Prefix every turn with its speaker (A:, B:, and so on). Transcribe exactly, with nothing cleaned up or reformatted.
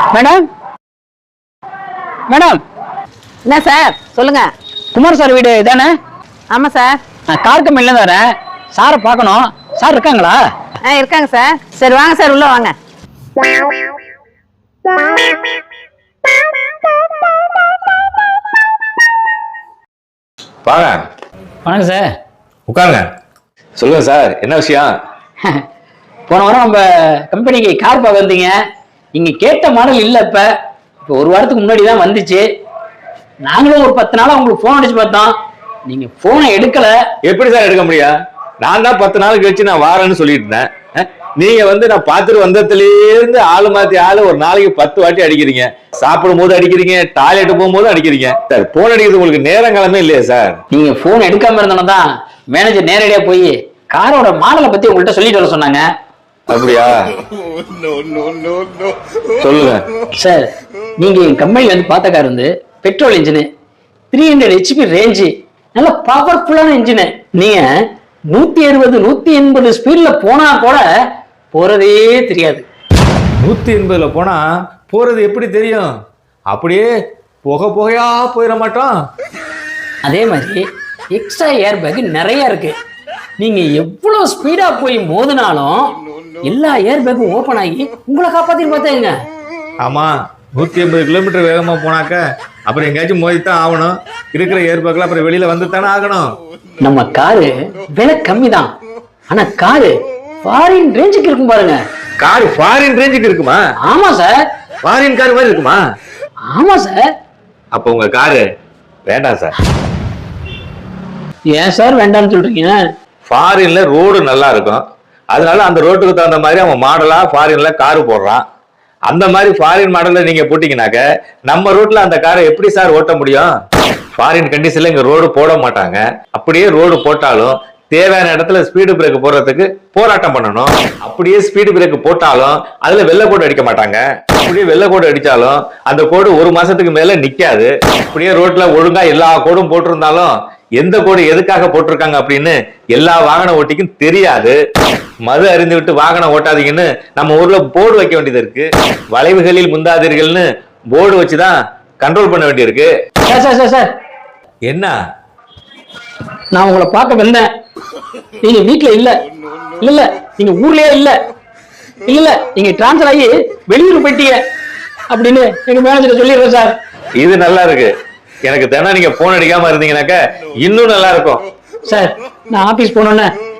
A: Madam madam
B: என்ன sir சொல்லுங்க.
A: Kumar sir வீடு இதானே?
B: ஆமா சார்.
A: நான் கார் கம்பெனில இருந்து வரேன். சாரை பார்க்கணும். சார் இருக்காங்களா?
B: ஆ இருக்காங்க சார். சரி வாங்க சார் உள்ள வாங்க.
C: வாங்க.
A: வணக்கம் சார்.
C: உட்காருங்க. சொல்லுங்க சார், என்ன விஷயம்?
A: போன வாரம் நம்ம கம்பெனிக்கு கார் பார்க்க வந்தீங்க. நீங்க கேட்ட மாடல் இல்லை. இப்ப இப்போ ஒரு வாரத்துக்கு முன்னாடி தான் வந்துச்சு. நாங்களும் ஒரு பத்து நாளா உங்களுக்கு போன் அடிச்சு பார்த்தோம். நீங்க போனை எடுக்கல.
C: எப்படி சார் எடுக்க முடியும்? நான் தான் பத்து நாள் கழிச்சு நான் வாரேன்னு சொல்லிட்டு இருந்தேன். அஹ், நீங்க வந்து நான் பார்த்துட்டு வந்ததுல இருந்து ஆளு மாத்தி ஆளு ஒரு நாளைக்கு பத்து வாட்டி அடிக்கிறீங்க. சாப்பிடும் போது அடிக்கிறீங்க, டாய்லெட் போகும்போது அடிக்கிறீங்க. சார் போன் அடிக்கிறது உங்களுக்கு நேரம் காலமே இல்லையா சார்?
A: நீங்க போன் எடுக்காம இருந்தோம் தான் மேனேஜர் நேரடியா போய் காரோட மாடலை பத்தி உங்கள்கிட்ட சொல்லிட்டு வர சொன்னாங்க.
C: அப்படியா? சொல்லுங்க
A: சார். நீங்க என் கம்பெனில வந்து பார்த்த கார் வந்து petrol engine, three hundred HP range, நல்ல பவர்ஃபுல்லான இன்ஜின். நீங்க நூத்தி அறுபது நூத்தி எண்பது ஸ்பீட்ல போனா கூட போறதே தெரியாது.
C: நூத்தி எண்பதுல போனா போறது எப்படி தெரியும்? அப்படியே புகை புகையா போயிட மாட்டோம்.
A: அதே மாதிரி எக்ஸ்ட்ரா ஏர் பேக் நிறைய இருக்கு. நீங்க எவ்வளவு ஸ்பீடா போய் மோதினாலும் எல்லா ஏர் பேக்கும் ஓபன் ஆகி உங்களை காப்பாத்தி பார்த்தாங்க.
C: ஆமா, நூத்தி எண்பது கிலோமீட்டர் வேகமா போனாக்க அப்புறம் எங்கேயாச்சும் மோதித்தான் ஆகணும். இருக்கிற ஏர் பேக்ல அப்புறம் வெளியில வந்து தானே ஆகணும்.
A: நம்ம காரு விலை கம்மி தான், ஆனா காரு ஃபாரின் ரேஞ்சுக்கு இருக்கும் பாருங்க.
C: கார் ஃபாரின் ரேஞ்சுக்கு இருக்குமா?
A: ஆமா சார்.
C: ஃபாரின் கார் மாதிரி இருக்குமா?
A: ஆமா சார்.
C: அப்ப உங்க காரு வேண்டாம் சார்.
A: ஏன் சார் வேண்டாம்னு சொல்றீங்க?
C: ஃபாரின்ல ரோடு நல்லா இருக்கும், அதனால அந்த ரோட்டுக்கு தகுந்த மாதிரி அவன் மாடலா ஃபாரின்ல காரு போடுறான். அந்த மாதிரி ஃபாரின் மாடல்ல நீங்க போட்டீங்கன்னாக்க நம்ம ரோட்ல அந்த காரை எப்படி சார் ஓட்ட முடியும்? ஃபாரின் கண்டிஷன்ல இங்க ரோடு போட மாட்டாங்க. அப்படியே ரோடு போட்டாலும் தேவையான இடத்துல ஸ்பீடு பிரேக் போடுறதுக்கு போராட்டம் பண்ணணும். அப்படியே ஸ்பீடு பிரேக் போட்டாலும் அதுல வெள்ளை கோடு அடிக்க மாட்டாங்க. அப்படியே வெள்ளை கோடு அடிச்சாலும் அந்த கோடு ஒரு மாசத்துக்கு மேல நிக்காது. அப்படியே ரோட்ல ஒழுங்கா எல்லா கோடும் போட்டிருந்தாலும் எந்த கோடு எதுக்காக போட்டிருக்காங்க அப்படின்னு எல்லா வாகன ஓட்டிக்கும் தெரியாது. மது அறிந்து விட்டு வாகனம் ஓட்டாதீங்கன்னு நம்ம ஊர்ல போர்டு வைக்க வேண்டியது இருக்கு. வளைவுகளில் முந்தாதீர்கள்னு போர்டு வச்சுதான் கண்ட்ரோல் பண்ண வேண்டியிருக்கு.
A: சார் சார் சார் சார்
C: என்ன?
A: நான் உங்களை பார்க்க வந்தேன். நீங்க வீட்டுல இல்ல. இல்ல இல்ல நீங்க ஊர்லயே இல்ல. இல்ல இல்ல நீங்க டிரான்ஸ்பர் ஆகி வெளியூர் போயிட்டீங்க அப்படின்னு எங்க மேனேஜர் சொல்லிடுறேன் சார்.
C: இது நல்லா இருக்கு. எனக்கு தினம் நீங்க போன் அடிக்காம இருந்தீங்கன்னாக்க இன்னும் நல்லா இருக்கும்
A: சார். நான் ஆபீஸ் போனோன்னே